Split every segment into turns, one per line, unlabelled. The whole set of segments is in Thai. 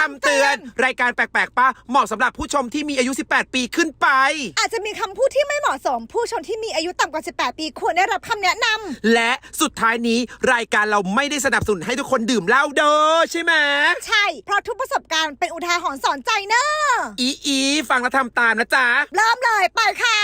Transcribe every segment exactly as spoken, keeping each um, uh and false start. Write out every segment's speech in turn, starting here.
ำเตือนรายการแปลกๆป้าเหมาะสำหรับผู้ชมที่มีอายุสิบแปดปีขึ้นไป
อาจจะมีคำพูดที่ไม่เหมาะสมผู้ชมที่มีอายุต่ำกว่าสิบแปดปีควรได้รับคำแนะน
ำและสุดท้ายนี้รายการเราไม่ได้สนับสนุนให้ทุกคนดื่มเหล้าเด้อใช่ไหม
ใช่เพราะทุกประสบการณ์เป็นอุทาหรณ์สอนใจเนอะ
อีอีฟังแล้วทำตามนะจ๊ะ
เริ่มเลยไปค่ะ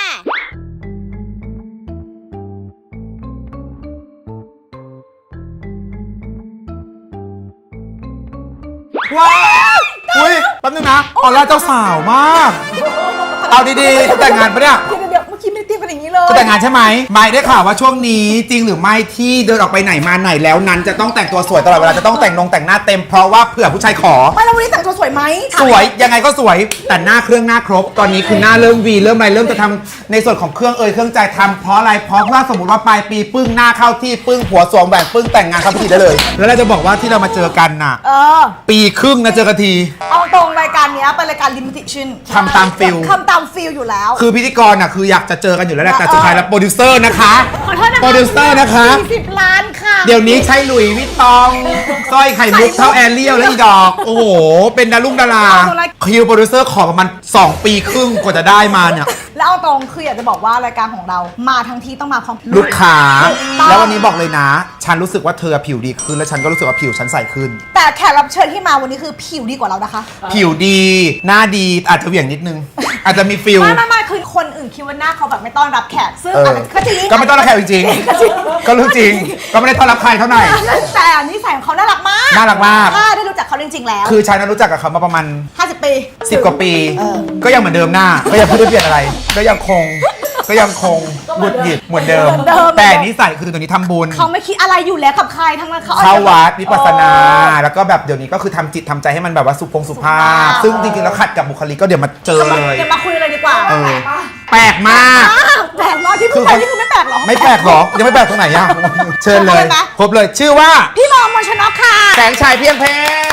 ว้าวอุ้ยแป๊บนึงนะออร่าเจ้าสาวมากเอาดีๆจะแต่งงานปะเนี่ย
เดี๋ยวเดี๋ยวเมื่อกี้ไม่ได้เตรียมกันอย่างนี้เลย
จะแต่งงานใช่ไหมไม่ได้ข่าวว่าช่วงนี้จริงหรือไม่ที่เดินออกไปไหนมาไหนแล้วนั้นจะต้องแต่งตัวสวยตลอดเวลาจะต้องแต่งนงแต่งหน้าเต็มเพราะว่าเผื่อผู้ชายขอ
ไม่แล้ววันนี้แต่งตัวสวยไหม
สวยยังไงก็สวยแต่หน้าเครื่องหน้าครบตอนนี้คือหน้าเริ่มวีเริ่มอะไรเริ่มจะทำในส่วนของเครื่องเอ่ยเครื่องใจทำเพราะอะไรเพราะว่าสมมติว่าปลายปีปึ้งหน้าเข้าที่ปึ้งผัวสวมแหวนปึ้งแต่งงานเข้าพิธีได้เลยแล้วเราจะบอกว่าที่เรามาเจอกันน่ะ
เออ
ปีครึ่งนะเจอกันที
เอาตรงรายการนี้เป็นรายการลิมิเต็ดชั่น
ทำตามฟิล
ทำตามฟิลอยู่แล้ว
คือพิธีกรน่ะคืออยากจะเจอกันอยู่แล้วแหละแต่สุดท้ายแล้วโปรดิวเซอร์นะคะโปรดิวเซอร์นะคะ
สี่สิบล้านค่ะ
เดี๋ยวนี้ใช้หลุยส์วิตตองสร้อยไข่มุกเท่าแอรเรียลและอีดอกโอ้โหเป็นดารุ่งดาราคิวโปรดิวเซอร์ขอประมาณสองปีครึ่งกว่าจะได้มาเนี่ย
แล้วเอาตรงคืออยากจะบอกว่ารายการของเรามาทั้งทีต้องมาพร้อม
ลูกค้าแล้ววันนี้บอกเลยนะฉันรู้สึกว่าเธอผิวดีขึ้นและฉันก็รู้สึกว่าผิวฉันใสขึ้น
แต่แขกรับเชิญที่มาวันนี้คือผิวดีกว่าเรานะคะ
ผิวดีหน้าดีอาจจะเหวี่ยงนิดนึงอาจจะมีฟิล
ไม่ไม่ไม่คือคนอื่นคิดว่าหน้าเขาแบบไม่ต้อนรับแขกซึ่งก็จริง
ก็ไม่ต้อนรับแขกจริงก็รู้จริงก็ไม่ได้ต้อนรับใครเท่าไหร่
แต่นิสัยของเขาน่ารักมาก
น่ารักมาก
ถ้าได้รู้จักเขาจริงๆแล้ว
คือฉันนั้นรู้จักกับเขามาประมาณ
ห้าสิบปี
สิบกว่าปีก็ยังเหมือนเดิมหน้าก็ยังไม่ได้เปลี่ยนอะไรก็ยังคงก็ยังคงหงุดหงิดเหมือนเดิมแต่นิสัยคือตัวนี้ทำบุญ
เขาไม่คิดอะไรอยู่แล้วกับใครทั้งนั้นเขา
เข้าวัดวิปัสสนาแล้วก็แบบเดี๋ยวนี้ก็คือทำจิตทำใจให้มันแบบว่าสุภงสุภาพซึ่งจริงๆแล้วขัดกับบุคลิกก็เดี๋ยวมาเจอเลย
เดี๋ยวมาคุยเลยดีกว่า
แปลกมาก
แปลกมากที่พูดไปนี่คือไม่แปลกหรอ
ไม่แปลกหรอยังไม่แปลกตรงไหนอ่ะเชิญเลยพบเลยชื่อว่า
พี่บอมชนกค่ะ
แสงชัยเพียงเพ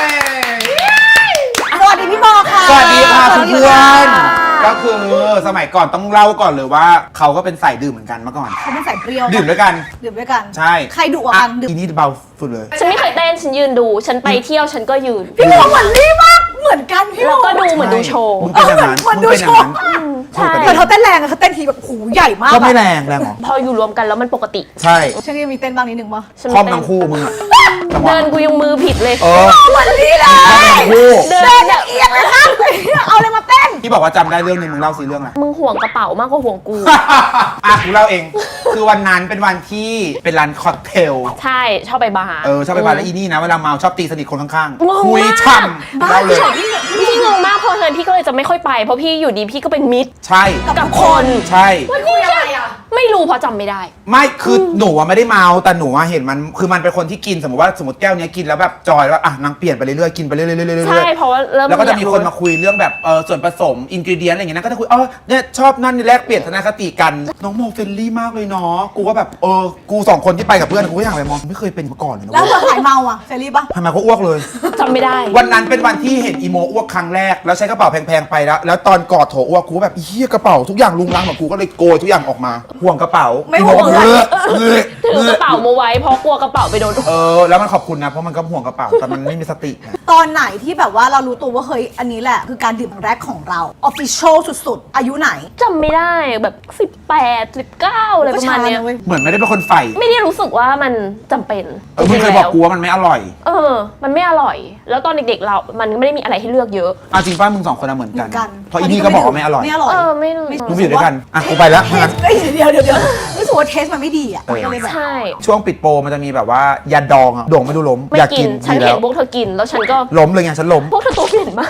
สวัสดีพี่บอค่ะ
สวัสดีค่ะเพื่อนก็คือสมัยก่อนต้องเล่าก่อนเลยว่าเขาก็เป็นสายดื่มเหมือนกันเมื่อก่อน
เขาเป็นสายเปรี้ยว
ดื่มด้วยกัน
ดื่มด้วยกัน
ใช่
ใครดุกว่ากัน
ดื่มอีนี่เบาสุดเลย
ฉันไม่เคยเต้นฉันยืนดูฉันไปเที่ยวฉันก็ยืน
พี่บอเหมือนลี่มากเหมือนกันพี่บอ
แล้วก็ดูเหมือนดูโชว์
มึงเป็นอย่างนั้น
เหมือนดูโชว์
ใช่
แต่เขาเต้นแรงอะเขาเต้นทีแบบหูใหญ่มาก
ก็ไม่แรงแรงหรอ
พออยู่รวมกันแล้วมันปกติ
ใช่
ฉันก็มีเต้นบ้างนิดนึงป่ะ
คล่อมทั้งคู่มึงอะ
เดินกูยังมือผิดเลย
เออ
เหมือนลี่เลยเดินเอียงเลยครับเอาอะไรมาเต้น
ที่บอกว่าจำได้เรื่องนึงมึงเล่าสิเรื่องอะไร
มึงห่วงกระเป๋ามากกว่าห่วงกู
อ่ะกูเล่าเองคือวันนั้นเป็นวันที่เป็นร้านค็อกเทล
ใช่ชอบไปบาร์
เออชอบไปบาร์แล้วอีนี่นะเวลาเมาชอบตีสนิทคนข้างๆคุยช่ำเล่าเลย
พี่งงมากเพราะฉะนั้นพี่ก็เลยจะไม่ค่อยไปเพราะพี่อยู่ดีพี่ก็เป็นมิตร
ใช่
กับคน
ใช่
ไม่คุยอะไรอ่ะไม่รู้เพราะจำไม่ได้
ไม่คือหนูไม่ได้เมาแต่หนูเห็นมันคือมันเป็นคนที่กินสมมติว่าสมมติแก้วนี้กินแล้วแบบจอยแล้วอ่ะนางเปลี่ยนไปเรื่อยๆกินไปเรื่อยๆ
ใช่เพราะว่าเริ่ม
แล้วก็จะมีคนมาคุยเรื่องแบบเออส่วนผสมอินกรีเดียนอะไรอย่างเงี้ยก็จะคุยเออเนี่ยชอบนั่นแลกเปลี่ยนทัศนคติกันน้องโมเฟรนลี่มากเลยเนาะกูก็แบบเออกูสองคนที่ไปกับเพื่อนกูก็อย่างไรมองไม่เคยเป็นมาก่อนเลยนะ
แล้วเธอหายเมาอ่ะเฟรนลี่ปะ
ทำไมเขาอ้วกเลย
จำไม่ได้
วันนั้นเป็นวันที่เห็นอีโมอ้วกครั้งแรกแล้วใช้กระเป๋าแพงๆไปแล้วแล้วตอนกอดโถอ้วกกูแบบเฮียกระเป๋าทุกอย่างลุงลังของกูก็เลยโกยทุกอย่างออกมาห่วงกระเป๋า
ไม่ห่วง
เลยถือกระเป๋ามาไว้เพราะกลัวกระเป๋าไปโดน
เออแล้วมันขอบคุณนะเพราะมันก็ห่วงกระเป๋าแต่มันไม่มีสติ
ตอนไหนที่แบบว่าเรารู้ตัวว่าเฮ้ยอันนี้แหละคือการดื่มแรกของเราออฟฟิเชียลสุดๆอายุไหน
จำไม่ได้แบบสิบแปด สิบเก้าอะไรประมาณนี้
เหมือนไม่ได้เป็นคนใฝ่
ไม่ได้รู้สึกว่ามันจำเป็น
เออมึงเคยบอกกูว่ามันไม่อร่อย
เออมันไม่อร่อยแล้วตอนเด็กๆเรามันไม่ได้มีอะไรให้เลือกเยอะ
เอาจริงป่ะมึงสองคนเหมือนกันเพราะอีนี่ก็บอกว่าไม่อร่อย
ไม่อร่อย
เออไม่
มึงอยู่ด้วยกันอ่ะกูไปแล้ว
เดี๋ยวเดี๋ยวเดี๋ยวรู้สึกว่าเทสมันไม่ดีอ่ะ
ใช่
ช่วงปิดโปรมันจะมีแบบว่ายาดองอ่ะโด่งไม่ดูล้ม
อยากกินฉันเห็นพวกเธอกินแล้วฉันก็
ล้มเลยไงฉันล้ม
พวกเธอตัวเปลี่ยนมาก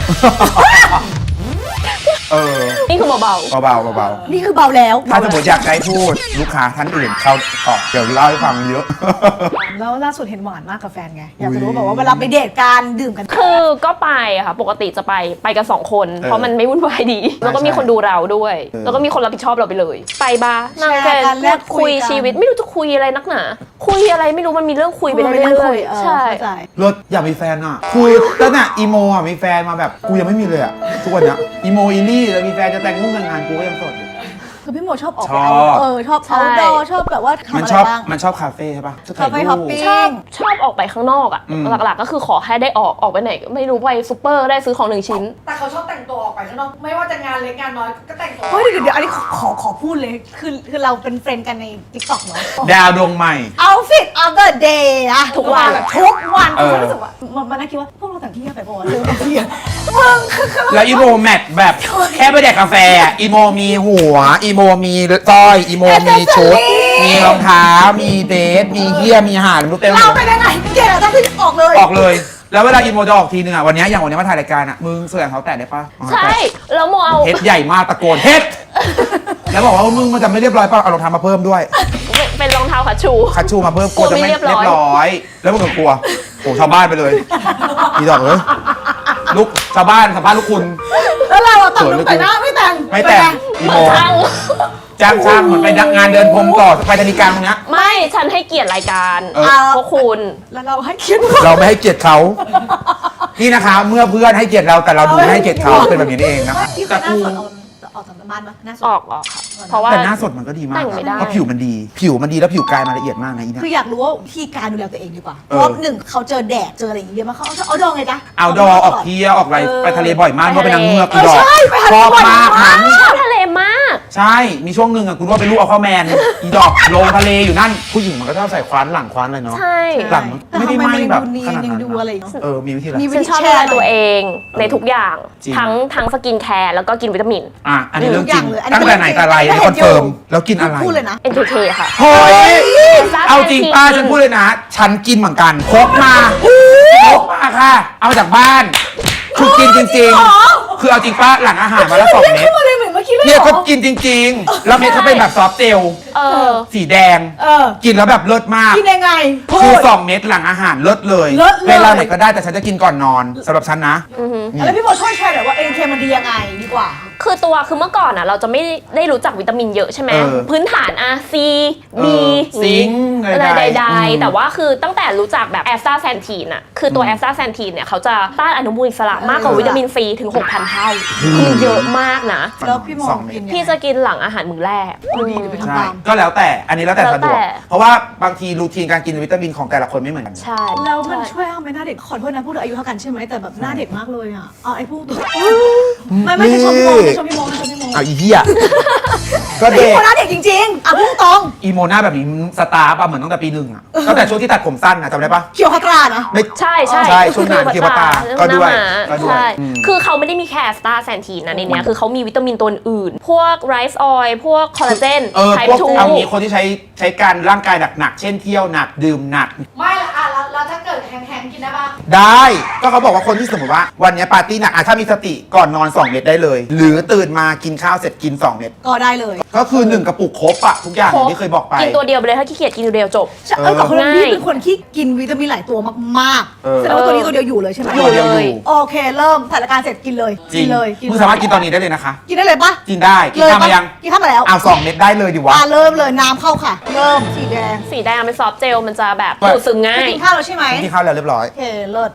เออ
นี่คือเบา
เบาเบาเบา
นี่คือเบาแล้ว
ถ้าสมมติอยากให้พูดลูกค้าท่านอื่นเขาตอบเดี๋ยวเล่าให้ฟังเยอะ
แล้วล่าสุดเห็นหวานมากกับแฟนไงอยากจะรู้แบบว่าเวลาไปเดทกันดื่มกัน
คือก็ไปค่ะปกติจะไปไปกันสองคนเพราะมันไม่วุ่นวายดีแล้วก็มีคนดูเราด้วยแล้วก็มีคนรับผิดชอบเราไปเลยไปบาร์นั่งกันพูดคุยชีวิตไม่รู้จะคุยอะไรนักหนาคุยอะไรไม่รู้มันมีเรื่องคุยไปเรื่อยๆใช่
รถอยากมีแฟนอ่ะคือตั้งแต่อีโมอ่ะมีแฟนมาแบบกูยังไม่มีเลยอ่ะทุกวันเนี้ยอีโมอีลี่แล้วมีแฟนจะแต่งมุ่งแต่งงานกูก็ยังโสดอยู่
คือพี่โมชอบออก
ช
ไป
อบ
เอาเออชอบ
ใช่
เอาดอชอบแบบว่าทำ
มัน
อะไร
ชอบ
บ้าง
มันชอบคาเฟ่ใช่ปะชอบถ่าย
คาเฟ่
รู
ฮอป
ป
ปิ้ง
ชอบชอบออกไปข้างนอกอะ
อืม
หลักๆก็คือขอแค่ได้ออกออกไปไหนไม่รู้ไปซูเปอร์ได้ซื้อของหนึ่งชิ้น
แต่เขาชอบแต่งตัวออกไปข้างนอกไม่ว่าจะงานเล็กงานน้อยก็แต่งตัว
เฮ้ยเดี๋ยวเดี๋ยวอันนี้ขอขอขอพูดเลยคือคือเราเป็นเฟรนด์กันใน ติ๊กต็อก เนาะ
ดาวดวงใหม่
outfit of the day อะ
ทุกวัน
ทุกวัน
เออ
ฉันรู้สึกว่ามันมันน่าคิดว่าพวกเราแต่งที่ไปปะวะเรื่องบางทีอะมึงคือคือ
แล้วอีโมแมทแบบแค่ไปแดกกาแฟอะอีโมมีหัว อีโมมีสร้อย อีโมมีชุด มีรองเท้า มีเดทมีเฮียมีห่านรู้เต็มหม
เรา
ด
เป็นยังไงเกดต้องขึ้นออกเลย
ออกเลย แล้วเวลาอีโมจะออกทีนึงอ่ะ วันเนี้ยอย่างวันเนี้ยมาถ่ายรายการอ่ะ มึงเสื้อเขาแตะได้ปะ
ใช่แล้วโมเอา
เฮ็ดใหญ่มากตะโกนเฮ็ด แล้วบอกว่ามึงมันจะไม่เรียบร้อยป่ะเอารองเท้ามาเพิ่มด้วย
เป็นเป็นรองเท้าขาชู
คัชชูมาเพิ่มกลัวจะไม่
กลัวไม่เรี
เรี
ย
ย
บบ ร้อย
ร้อย แล้วมึงก็กลัวโอ้ชาวบ้านไปเลยอีดอกเอ้ยลูกชาวบ้านสัมภาษณ์ลูกคุณ
แล้วเราอะแต่ง
สวย
ล
เหลื
ง
อเกิ
แต่
น
หน้าไม่แต่ง
ไม่แต่งอีโม
ช่าง
จ้างช่างเหมือนไปงานเดินพรมต่อไปธนิการตรงเนี้ย
ไม่ฉันให้เกียรติรายการ
เออ
พวกคุณ
แล้วเราให้คิด
เราไม่ให้เกียรติเขา นี่นะคะ เมื่อเพื่อนให้เกียรติเราแต่เราดูไม่ให้เกียรติเขาเป็นแบบนี้เองนะคะ
พี่เค
แต่
ยหน้า
กู
สดเอาออกจากบ้านปะหน้าสด
ออกออกค่ะเพราะว่า
แต่หน้าสดมันก็ดีมาก
แต่งไม่ได้
เพราะผิวมันดี ผิวมันดีแล้วผิวกายมันละเอียดมากนะอีเนี่ย
คืออยากรู้ว่าวิธีการดูแลตัวเองดีกว่า เพ
เออ
ราะหนึ่งเขาเจอแดดเจออะไรอย่างเงี้ยมาเขาเอาดองไงจ๊ะ
เอาดอออกเที่ยวออกอะไร
เออ
ไปทะเลบ่อยมากเพราะเป็นนางเงือก
เอ
อี
อ
ดอก
ใช่ไปทะเล
ชอบ
บ่อย
มาก
มาก
นั้น
ชอบทะเลมาก
ใช่ มีช่วงหนึ่งอะคุณว่าเป็นลูกเอาเข้าแมน อีดอกลงทะเลอยู่นั่น ผู้หญิงมันก็ชอบใส่คว้านหลังคว้านเลยเนาะ
ใช่
หลังไม่ได้ไหม้แบบขนาด
ยัง
นั้น
ดูอะไรเนาะ
เออ มีวิธีอะไร
มี
ฉันชอบดูแลตัวเองในทุกอย่าง
จริง
ทั้งทั้งสกินแคร์แล้วก็กินวิตามิน
อ่ะ อันนี้เรื่องจริง
ทุกอย่างเลยอันนี้
ตั้งแต่ไหนแต่ไร
ไม่
นี่
เห็
คอน น
อยู่
เฟิร์ม แล้วกินอะไร
พูดเลยนะ
เอ็น เค เค ค่ะ
เฮ้ย
ซ่า
เอาจริงป้า
แฟนซี
ฉันพูดเลยนะ ฉันกินเหมือนกันพกมาพกมาค่ะ เอามาจากบ้านคือกินจริงๆ คือเอาจริงป้าหลังอาหารมาแล้วสองเม็ด
ขึ้นมาเลยเหมือนเมื่อกี้เลย
เนี่ย
เหร
เขา
อ
กินจริง ๆ แล้วเม็ดเขาเป็นแบบซอฟต์เจล
เออ
สีแดง
เออ
กินแล้วแบบเลิศมาก
กินยังไงพู
คือ
ด
สองเม็ดหลังอาหารเลิศเลย
เลิศเลย
เวลาไหนก็ได้แต่ฉันจะกินก่อนนอนสำหรับฉันนะ
แล้วพี่โมช่วยแชร์หน่อยว่าเอ็นเคมันดียังไงดีกว่า
คือตัวคือเมื่อก่อนอ่ะเราจะไม่ได้รู้จักวิตามินเยอะใช่ไหม
เออ
พื้นฐานอะซี
เอ
บี
อซิงค์
อะไร
ใดๆ
ใด
อืม
ๆแต่ว่าคือตั้งแต่รู้จักแบบแอสตาแซนทีนอ่ะคือตัวแอสตาแซนทีนเนี่ยเขาจะต้านอนุมูลอิสระมากกว่าวิตามินซีถึง หกพัน เท่าคือเยอะมากนะ
แล้วพี่โม
สองเม็ด
กินยังไง
พี่จะกินหลังอาหารมื้อแรก
เอาดีเดี๋ยวไปทำ
ใช่
ตาม
ก็แล้วแต่อันนี้แล้วแต่
แล้ว
สะดวก
แต่
เพราะว่าบางทีรูทีนการกินวิตามินของแต่ละคนไม่เหมือนกัน
ใช่
แล้วมัน
ใช่
ช่วยทำให้หน้าเด็กขอโทษนะพูดถึงอายุเท่ากันใช่ไหมแต่แบบหน้าเด็กมากเลยอ่ะเอาไอ้พูดตัวไม่ไม่ใช่ชมพี่โมไม่ชมพี่โมไม่ชมพี่โม
เอาอีเหี้ยก็
พี่
เด็ก
โมหน้าเด็กจริงๆอ่ะพูดตรง
อีโมนาแบบนี้สตาร์ปะเหมือนตั้งแต่ปีหนึ่งอะตั้งแต่ช่วงที่ตัดผมสั้นอะจำได้ปะ
เคียวคาตรานะ
ไม่
ใช่ใช่
ใช่ช่วงนั้น
คือ
เคียวปาตาก็ด้วย
หน้าหมา
ก็ด้วย
ใช่
อืม
คือเขาไม่ได้มีแค่แอสตาแซนทีนนะในเนี้ยคือเขามีวิตามินตัวอื่น พวกไรซ์ออยล์พวกคอลลาเจน
เออ
ไท
พวก
ป์ทู
เอางี้คนที่ใช้ใช้การร่างกายหนักๆเช่นเที่ยวหนักดื่มหนัก
ไม่ละอ่ะแล้วแล้วถ้าเกิดแห้งๆกินได้ปะ
ได้ก็เขาบอกว่าคนที่สมมติว่าวันนี้ปาร์ตี้หนักอ่ะถ้ามีสติก่อนนอนสองเม็ดได้เลย หรือตื่นมากินข้าวเสร็จกินสองเม็ด
ก็ได้เลย
ก็คือหนึ่งกระปุกครบอะทุกอย่างอย่างที่เคยบอกไป
กินตัวเดียวไปเลยถ้าขี้เกียจกินตัวเดียวจบ
ใช่เออแต่คนนั้น
ง่าย
พี่เป็นคนที่กินวิตามินหลายตัวมาก
เออ
ๆแสดงว่าตัวนี้ตัวเดียวอยู่เลยใช่ไหม
ตัวเดียวอยู่
โอเคเริ่มถ่ายรายการเสร็จกินเลย
จริ
กิ
ง
นเลย
มึงสามารถกินตอนนี้ได้เลยนะคะ
กินได้เลยปะ
กินได้กินข้าวมายัง
กินข้าวมาแล้ว
เอาสองเม็ดได้เลยดิวะ
อ่ะเริ่มเลยน้ำเข้าค่ะ เริ่มสีแดง
สีแดงเป็นซอฟต์เจลมันจะแบบ
ไม่
ดูดซึมง่าย
กินข้าวแล้วใช่ไหม
กินข้าวแล้วเรียบร้อย
โอเคเลิศ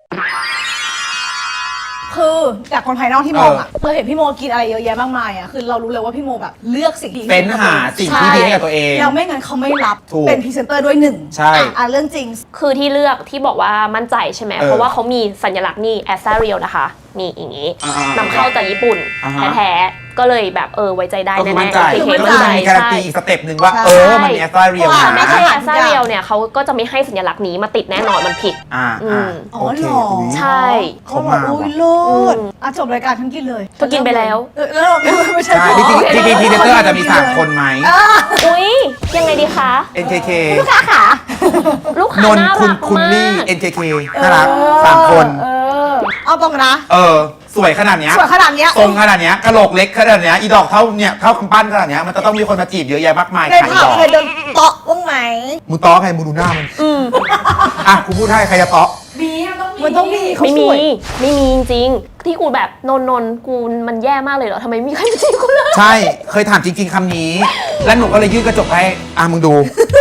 คือจากคนภายนอกที่มองอ่ะเราเห็นพี่โมกินอะไรเยอะแยะมากมายอ่ะคือเรารู้เลยว่าพี่โมแบบเลือกสิ่งดี
เป็นหาสิ่งที่ดีให้กับตัวเอง
เราไม่งั้นเขาไม่รับ
ถูก
เป็นพรีเซนเตอร์ด้วยหนึ่ง
ใช่
อ่ะอ่ะเรื่องจริง
คือที่เลือกที่บอกว่ามั่นใจใช่ไหม
เออ
เพราะว่าเขามีสัญลักษณ์นี่แอสซาเรียลนะคะนี่อย่างนี้
อ่าๆ
นำเข้าจากญี่ปุ่น
อ่าฮะ
แท้ๆก็เลยแบบเออไว้ใจได้
ก็คือ
แน่
มั่น
ๆ
ใจ
โอเค
ก็คือมันมีการันตี
ใช่
อีกสเต็ปหนึ่งว่า
ใช่
เออมันมีแอสตราเรียล
ว่า
ถ้าไม่
นะ
ใช่
อ่า
แอสซาเรียลเนี่ยเขาก็จะไม่ให้สัญลักษณ์นี้มาติดแน่นอนมันผิด
อ่า
อื
อ่าม
อ๋อ
โอเค
เหรอ
อุ๊ย
ใช่
เขาบอกอุ้ยโลดอ่ะจบรายการฉันกินเลย
เธอกินไปแล้ว
เออแล้วเราไม่ใช่
ใช่จริงๆจริงๆพรีเซนเตอร์อาจจะมีสามคนไหม
อ่ะ
อุ้ยยังไงดีคะ
เอ็น เค เค
ลูกค้าขา
ลูกค้าน
นท์
น่า
คุณ
รัก
คุณ
มา
ลี่
ก
เอ็น เค เคน่ารักสามคน
เออเอาตรงนะ
เออ สวยขนาดเนี้ย
สวยขนาดเนี้ย
ทรงขนาดเนี้ยกะโหลกเล็กขนาดเนี้ยอีดอกเท่าเนี่ยเท่ากำปั้นขนาดเนี้ยมันจะต้องมีคนมาจีบเยอะแยะมากมาย
ใน
ขาย
ผับ
ดอก
เคยเดินเตาะบ้างไหม
มึงต้อใครมึงดูหน้ามันอ่ะกูพูดให้ใครจะเตาะ
มีมันต้องมี
มันต้องมีเขา
ไม่
ส
มี
วย
ไม่มีจริงๆที่กูแบบนนนนกูมันแย่มากเลยเหรอทำไมไม่มีใครมาจีบกูเลย
ใช่ เคยถามจริง ๆคำนี้ แล้วหนูก็เลยยื่นกระจกให้อ่ะมึงดู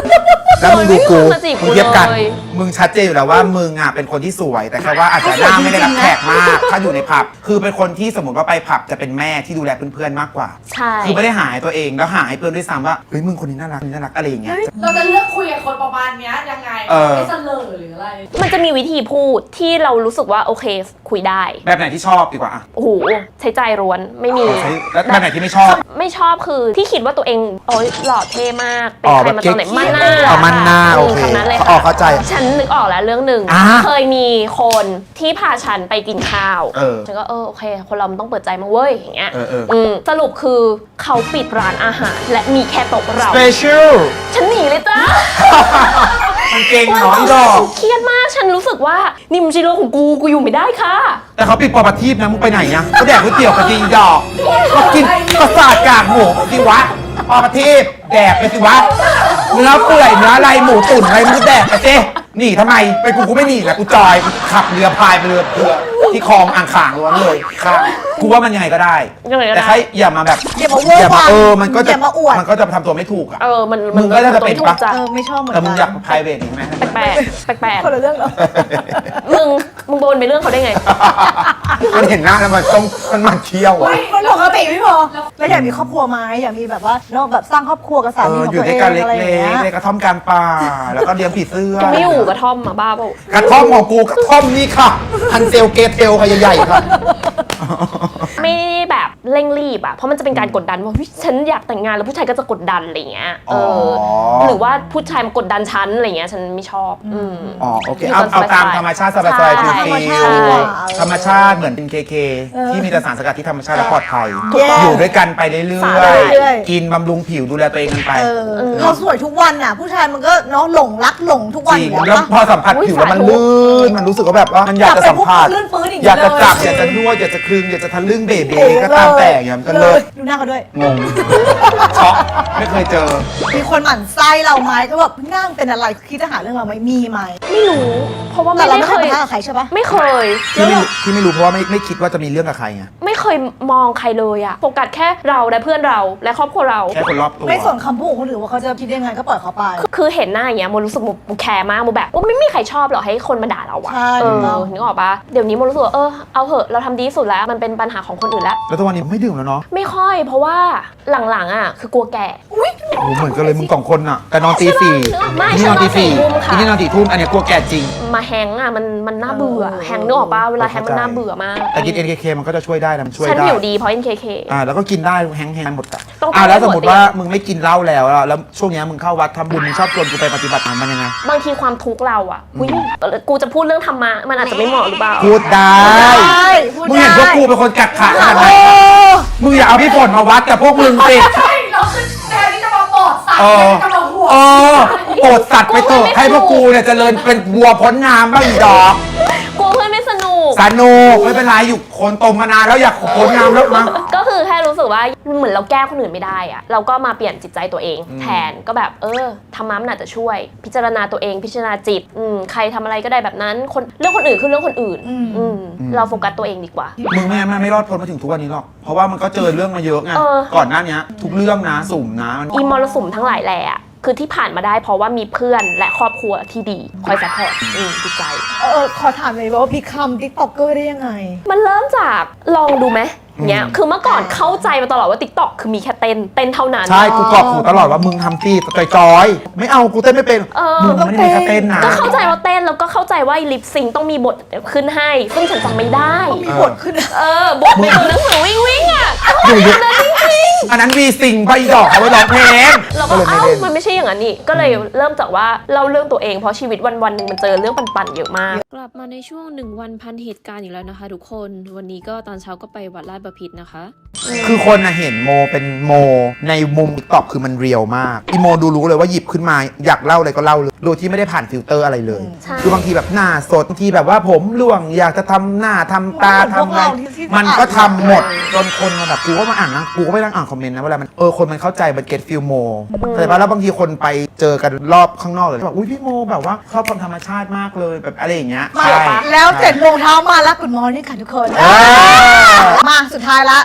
แล้วมึงดูกู
ไม่มีคนมาจีบกู
มึงเทียบกัน
เลย
มึงชัดเจนอยู่แล้วว่ามึงอ่ะเป็นคนที่สวย แต่แค่ว่าอาจจะหน้าไม่ได้รับแขกมาก ถ้าอยู่ในผับ คือเป็นคนที่สมมติว่าไปผับจะเป็นแม่ที่ดูแลเพื่อนๆมากกว่า
ใช่
คือไม่ได้หาให้ตัวเองแล้วหาให้เพื่อนด้วยซ้ำว่าเฮ้ยมึงคนนี้น่ารักนี่น่ารักอะไรอย่างเงี้ย
เราจะเลือกคุยกับคนประมาณเนี้ยยังไง
เออ
ไม่เสลอหรืออะไร
มันจะมีวิธีพูดที่เรารู้สึกว่าโอเคคุยได้
แบบไหนที่ชอบดีกว่าอ่ะ
โอ้โหใช้ใจร้วนไม่มี
ใช้แล้วแบบไหนที่ไม่ชอบ
ไม่ชอบคือที่คิดว่าตัวเองโอ๊ยหล่อเท่มาก เป็น
อ๋อ
ใครมาตอนไหน
แบบ
มั่นหน้า
เอามั่นหน้าโอเค
คำนั้นเลย
อ๋อ
ค่ะ
เข้าใจ
ฉันนึกออกแล้วเรื่องหนึ่ง
อ่า
เคยมีคนที่พาฉันไปกินข้าว
เออ
ฉันก็เออโอเค คนเรามันต้องเปิดใจมั้งเว้ยอย่างเงี้ย
เออเออ
อืมสรุปคือเขาปิดร้านอาหาร และมีแค่โต๊ะเรา
special
ฉันหนีเลยจ้า
มันเก่งเนาะอีดอก
เครียดมากฉันรู้สึกว่านี่มันไม่ใช่โลกของกูกูอยู่ไม่ได้ค่ะ
แต่เขาปิดปอประทีปนะมึงไปไหนเนี่ยก็แดกก๋วยเตี๋ยวกับจริงดอกก็กินประสาทกากหมูสิวะปอประทีปแดกไปสิวะเนื้อเปื่อยเนื้ออะไรหมูตุ๋นอะไรมึงแดกไปสิหนีทำไมไปกูกูไม่หนีแหละกูจอยขับเรือพายไปเรือเรือที่คลองอ่างขางล้วนเลยค่ะกูว่ามันยังไงก็ได้
ยังไงก็ได้
แต่ใครอย่ามาแบบ
อย่ามาเวอร์
อย่ามา
วัง
เออมันก็จะ
อย่ามาอวด
มันก็จะทำตัวไม่ถูกอ่ะ
เออมัน
มึงก็น่าจะเป็น
ถู
ปะ
กจ้ะ
เออไม่ชอบเหมือน
แต่มึงอยาก
กัน
private อีกไหม
แปลกๆแปลก
คนละเรื่องเหรอ
ๆมึงมึงโดนไปเรื่องเขาได้ไง
มันเห็นหน้าแล้วมันต้องมันมันเคี้ยวอ่ะ
มันปกติไม่พอแล้วอยากมีครอบครัวไหมอยากมีแบบว่านอกแบบสร้างครอบครัวกับสา
เอ
มี
อ
ของ
อยู่
ตัว
ด้
เอ
วย
ง
กันเล็
อะไรอย่างเงี้
ก
ย
ๆในกระท่อมกลางป่า แล้วก็เลี้ยงผีเสื้อ
จะไม่อยู่กระท่อมมาบ้าเปล่า
กระท่อมของกูกระท่อมนี่ค่ะฮันเซลเกเทลค่ะใหญ่ๆค่ะ
ไม่ได้แบบเร่งรีบอะเพราะมันจะเป็นการกดดันว่าเฮ้ยฉันอยากแต่งงานแล้วผู้ชายก็จะกดดันอะไรเงี้ยเอออ
อ
หรือว่าผู้ชายมากดดันฉันอะไรเงี้ยฉันไม่ชอบอืม
อ๋อโอเคเอาเอาตามธรรมชาติสบายๆ
ใช่
ฟิล
ธรรมชา
ๆ
ติดีกว่า
ธรรมชาติเหมือนเป็นเคเคที่มีแต่สารสกัดที่ธรรมชาติและปลอดภัย
ถูกต้อง
อยู่ด้วยกันไปเรื่
สา
อ
ระ
ย
เรื่อย
ๆกินบำรุงผิวดูแลตัวเองกันไป
เออเราสวยทุกวันน่ะ ผู้ชายมันก็เนาะหลงรักหลงทุกวัน
จ
อ
ริง
ยู่
แล้
แล้ว ว
พอสัมผัสผิวแล้วมันลื่นมันรู้สึกว่าแบบว่ามันอยากจะสัมผัส
ลื่นปื้นอีก
อยากจะจับ
เลย
อยากจะนวดอยากจะคลึงอยากจะทะลึ่งเบเบ
เออ
ก็ตามแต่อย่างเงี้ยมันก็เลิศ
ดูหน้าเขาด้วย
งงช็อกไม่เคยเจอ
มีคนหมั่นไส้เราไหมก็แบบนั่งเป็นอะไรคิดจะหาเรื่องเราไหมมีไหม
ไม่รู้ เพราะว่า
แต่
ไม่
เรา
ได้
ไม่
เค
เคย
ย
ปะทะกับใครใช่ปะ
ไม่เคย
ที่ไม่รู้ที่ไม่รู้เพราะว่าไม่ไม่คิดว่าจะมีเรื่องกับใครไง
ไม่เคยมองใครเลยอะโฟกัสแค่เราและเพื่อนเราและครอบครัวเรา
แค่คนรอบตัว
ไม่สนคำพูดของคนอื่นว่าเขาจะคิดยังไงก็ปล่อยเขาไป
คือเห็นหน้าอย่างเงี้ยโมรู้สึกโมโมแคร์มากโมแบบว่าไม่มีใครชอบหรอกให้คนมาด่าเราอะ
ใช่
เอ
ถูกต้
อ
อง
นึกออกปะเดี๋ยวนี้โมรู้สึกว่าเออเอาเหอะเราทำดีที่สุดแล้วมันเป็นปัญหาของคนอื่นแล้ว
แล้วทุกวันนี้ไม่ดื่มแล้วเนาะ
ไม่ค่อยเพราะว่าหลังๆอ่ะคือกลัวแก่
โอ้โหเหมือนกันเลยมึงสองคนอะแต่นอนตีสี่
ไม่
นี่นอนตีสี่
ฉันนอนสี่ทุ่มค่ะ
นี่นอนสี่ทุ่มอันเนี้ยกลัวแก่จริง
มาแฮงก์อ่ะมันมันน่าเบื่อแฮงก์นึกออกปะเวลาแฮงก์มันน่าเบื่อมาก
แต่กิน เอ็น เค เค มันก็จะช่วยได้นะมันช่วย
ฉัน
ได้
ผิวดีเพราะ เอ็น เค เค
อ่าแล้วก็กินได้แห้งๆหมดอะ
ต้อง
อ่าแล้ว
ให้
ส
ห
ม
มด
มติว่ามึงไม่กินเหล้าแล้วอะแล้วช่วงเนี้ยมึงเข้าวัดทำบุญมึงชอบชวนกูไปปฏิบัติธรรมมันยังไง
บางทีความทุกข์เราอ่ะอุ๊ยกูจะพูดเรื่องธรรมะมันอาจจะไม่เหมาะหรือเปล่า
พูดได้
ได้พูด
มึงเห็นพวกกูเป็นคนกักขาขนาดไหน
โอ้
มึงอย่าเอาพี่ฝนมาวัดกับพวกมึงสิ
ใช่เราคือแทนที่จะมาปลอดสัตว์
เออ
จะมาห่วง
เออโปรดสัตว์ไปเถอะให้พวกกูเนี่ยเจริญเป็นวัวพ้นน้ำบ้างอีดอก
กลัวเพื่อนไม่สนุก
สนุกไม่เป็นไรอยู่คนตมมานานแล้วอยากพ้นน้ำแล้วนะ
ก็คือแค่รู้สึกว่าเหมือนเราแก้คนอื่นไม่ได้อะเราก็มาเปลี่ยนจิตใจตัวเองแทนก็แบบเออธรรมะมันอาจจะช่วย พิจารณาตัวเองพิจารณาจิตอืมใครทำอะไรก็ได้แบบนั้นคนเรื่องคนอื่นคือเรื่องคนอื่นอืมเราโฟกัสตัวเองดีกว่า
มึงไม่ไม่ไม่รอดพ้นมาถึงทุกวันนี้หรอกเพราะว่ามันก็เจอเรื่องมาเยอะไง
เออ
ก่อนหน้านี้ทุกเรื่องนะสุ่มนะมัน
อีมรสุมทั้งหลายแหละคือที่ผ่านมาได้เพราะว่ามีเพื่อนและครอบครัวที่ดีคอยซัพพอร์ตอืมจิตใจ
เออขอถามเลยว่าพี่คำติ๊กต็อกเกอร์ได้ยังไง
มันเริ่มจากลองดูไหมเนี้ยคือเมื่อก่อนเข้าใจมาตลอดว่า TikTok คือมีแค่เต้นเต้นเท่านั้น
ใช่กูกรอกหูตลอดว่ามึงทำตีจอยๆไม่เอากูเต้นไม่เป็น
เออ
มึงไม่ได้มีแค่เต้นนะ
ก็เข้าใจว่าเต้นแล้วก็เข้าใจว่าลิปซิงต้องมีบทขึ้นให้ ซึ่งฉันจำไม่ได้
มีบทขึ้น
เออบทในตัวหนังสือวิ่งวิ่งอ่ะ
อยู่เยอะอันนั้นวีซิงไปดอกเอาไว้ร้องเพลง
เรา
ก็
ก็
เลยไม่
เอ้า
เล่น
มันไม่ใช่อย่างนั้นนี่ก็เลยเริ่มจากว่าเล่าเรื่องตัวเองเพราะชีวิตวันวันๆหนึ่งมันเจอเรื่องปั่นๆเยอะมาก
กลับมาในช่วงหนึ่งวันพันเหตุการณ์อีกแล้วนะคะทุกคนวันนี้ก็ตอนเช้าก็ไปวัดลาดบพิตรนะคะ
คือคนนะเห็นโมเป็นโมในมุมติ๊กต็อกคือมันเรียวมากอีโมดูรู้เลยว่าหยิบขึ้นมาอยากเล่าอะไรก็เล่าเลยโดยที่ไม่ได้ผ่านฟิลเตอร์อะไรเลย
ใช่
คือบางทีแบบหน้าสดบางทีแบบว่าผมร่วงอยากจะทำหน้าทำตาทำอะไรมันก็ทำหมดจนคนมาแบบกูก็มาอ่านนะกูก็ไม่นั่งอ่านคอมเมนต์นะเวลามันเออคนมันเข้าใจมันเก็ตฟิลโมแต่ว่าแล้วบางทีคนไปเจอกันรอบข้างนอกเลยแบบอุ้ยพี่โมแบบว่าชอบความธรรมชาติมากเลยแบบอะไรอย่างเงี้ย
มา
ใช่
แล้วเจ็ดโมงเช้ามาแล้วกุดมอร์นิ่งค่ะทุกคน
อ่า
มาสุดท้ายละฝากแ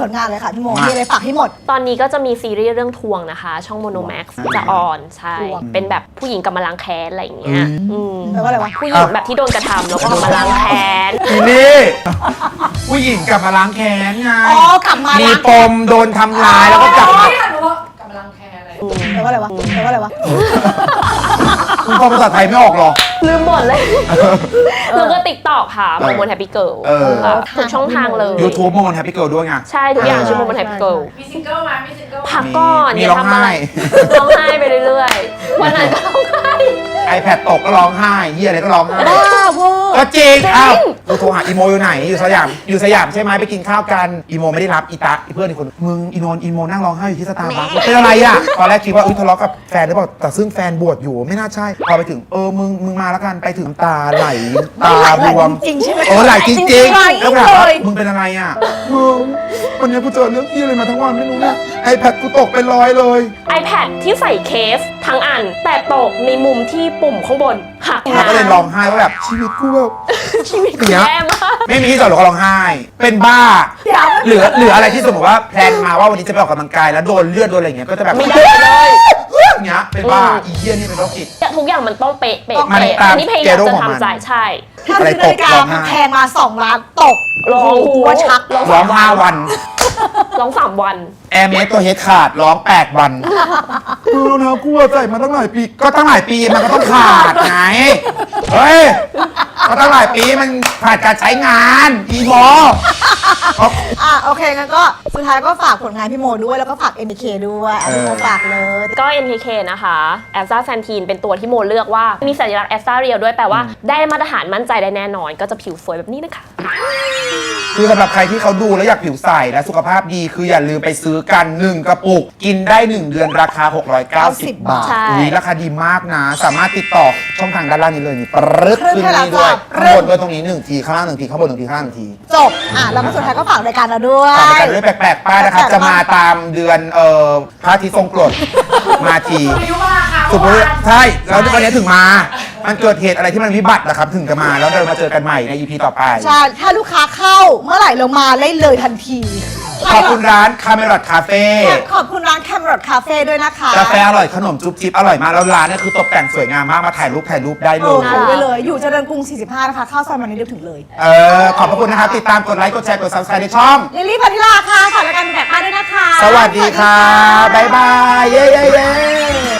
ผลงานเลยค่ะพี่โมมีอะไรฝากให้หมด
ตอนนี้ก็จะมีซีรีส์เรื่องทวงนะคะ ช่อง Mono Max จะออนใช่
ทวง
เป็นแบบผู้หญิงกำมะล้างแค้นอะไรอย่างเงี้ยอืม
แปลว่าอะไรวะ
ผู้หญิงแบบที่โดนกระทำแล้วก็กำมะล้างแค้น
อีนี่ผู้หญิงกลับมาล้างแค้นไง
อ๋อกลับมา
มี
ล้าง
ปมโดนทำร้ายแล้วก็กลับมา
ไม่ทันรู้ว่ากำลังแคร์อะไร
แปลว่าอะไรวะแปลว่าอะไรวะ
คุณฟังภาษาไทยไม่ออกหรอ
ลืมหมดเลย แล้วก็ติ๊กต็อกค่ะโมโมแฮปปี้เกิล
เออ
ทุกช่องทางเลย
YouTube โมนแฮปปี้เกิลด้วยไง
ใช่ทุกอย่างชื่อโมโมแฮปปี้เกิล
มีซิงเกิลมามีซิงเกิล
พักก่อน
มี
อย่า
ร้อง
ทำอะไร
ไห้
ร้องไห้ไปเรื่อยๆ วันนั้นก็ร้องไห้
iPad ตกก็ร้องไห้เฮียอะไรก็ร้องไห้
บ้าเวอร์
ก็จริงอ้าวกูโทรหาอีโมอยู่ไหน อยู่สยาม อยู่สยามใช่ไหมไปกินข้าวกัน อีโมไม่ได้รับอีตาอีเพื่อนอีกคน มึงอีโนนอีโมนั่งร้องไห้อยู่ที่สตาร์บัคเป็นอะไรอ่ะ ตอนแรกคิดว่าอุ้ยทะเลาะกับแฟนหรือเปล่า แต่ซึ่งแฟนบวชอยู่ไม่น่าใช่ พอไปถึงเออ มึง มึงมาแล้วกัน ไปถึงตาไหล ตาบวม
จริงๆใช่ไหม
เออไหลจริงจริง
ไหล
แล้วถามว่า
เลย
มึงเป็นอะไรอ่ะมึงวันนี้กูเจอเรื่องที่อะไรมาทั้งวันไม่รู้เนี่ยไอแพดกูตกเป็นร้อยเลย
iPad ที่ใส่เคสทั้งอัน แต่ตกในมุมที่ปุ่มข้างบนหัก
แล้วก็เลยร้องไห้ว่าแบบชีวิตกูแบบ
ชีวิต
อย่างเงี้ย
แย่มาก
ไม่มีที่จอดรถก็ร้องไห้ เป็นบ้า เหลือเหลืออะไรที่สมมติว่าแพลนมาว่าวันนี้จะไปออกกำลังกายแล้วโดนเลือดโดนอะไรอย่างเงี้ยก็จะแบบ
ไม่ได้เลย
อย่างเงี้ยเป็นบ้าอีเหี้ยนี่เป็นโรคจิต
ทุกอย่างมันต้องเป๊ะเป๊ะ
มัน
เป๊ะ
ตาม
อันนี้พยายาม
เกโร
จะ
ของมัน
ทำใจใช่
ถ้าซื้อนาฬิกาแพงมาสองล้านตก
ร้อง
หัวชัก
ร้อง
ร้องห้าวัน
ร้องสามวัน
แอร์เมสตัวเฮดขาดร้องแปดวันดูรองเท้ากูใส่มาตั้งหลายปีก็ตั้งหลายปีมันก็ต้องขาดไงเฮ้ยก็ตั้งหลายปีมันขาดการใช้งานอีโม
อ่ะโอเคงั้นก็สุดท้ายก็ฝากผลงานพี่โมด้วยแล้วก็ฝาก เอ็ม บี เค ด้วยอ่ะพี่โมฝากเลย
ก็ เอ็ม เค เค นะคะแอสตาแซนทีนเป็นตัวที่โมเลือกว่ามีสัญลักษณ์แอสตาเรียลด้วยแปลว่าได้มาตรฐานมั่นใจได้แน่นอน ก็จะผิวสวยแบบนี้นะคะ
คือสำหรับใครที่เขาดูแล้วอยากผิวใสและสุขภาพดีคืออย่าลืมไปซื้อกันหนึ่งกระปุก กินได้หนึ่งเดือนราคาหกร้อยเก้าสิบบาท
ใช่
อุ๊ยราคาดีมากนะ สามารถติดต่อช่องทางด้านล่างนี้เลยนี่ปรึ๊ด
ขึ้
ขึ้
น
น
ให้
นี่ด้วย
แล้วจ้ะ
ข้างบนด้วยตรงนี้หนึ่งทีข้างล่างหนึ่งทีข้างบนหนึ่งทีข้างล่างหนึ่งที
จบอ่ะแล้วก็สุดท้ายก็ฝากรายการเราด้วย
ฝากรายการด้วยแปลกๆป้ายนะครับ จะมาตามเดือนเอ่อพระอาทิตย์ทรงกรดมาที
อายุมาค่ะ
สุดเลยใช่แล้ววันนี้ถึงมา มันเกิดเหตุอะไรที่มันวิบัตินะครับถึงจะมาแล้วเรามาเจอกันใหม่ใน อี พี ต่อไป
ใช่ ถ้าลูกค้าเข้าเมื่อไหร่เรามาเล่นเลยทันที
ขอบคุณร้านคาเมรอทคาเฟ่
ขอบคุณร้านแคมรอดคาเฟ่ด้วยนะคะ
กาแฟอร่อยขนมจุ๊บจิ๊บอร่อยมากแล้วร้านเนี่ยคือตกแต่งสวยงามมากมาถ่ายรูปถ่ายรูปได้เล
โอ้
ย
โหไปเลย อยู่เจริญกรุง สี่สิบห้า นะคะ เข้าซอยมันนี้เดียวถึงเลย
เออขอบพระคุณนะครับ ติดตามกดไลค์กดแชร์กด ซับสไครบ์ ในช่อง
ลิลลี่พัทิลาค่ะฝากรายการเป็นแบบป้าด้วยนะคะ
สวัสดีค่ะ บ๊ายบาย เย้เย้เย้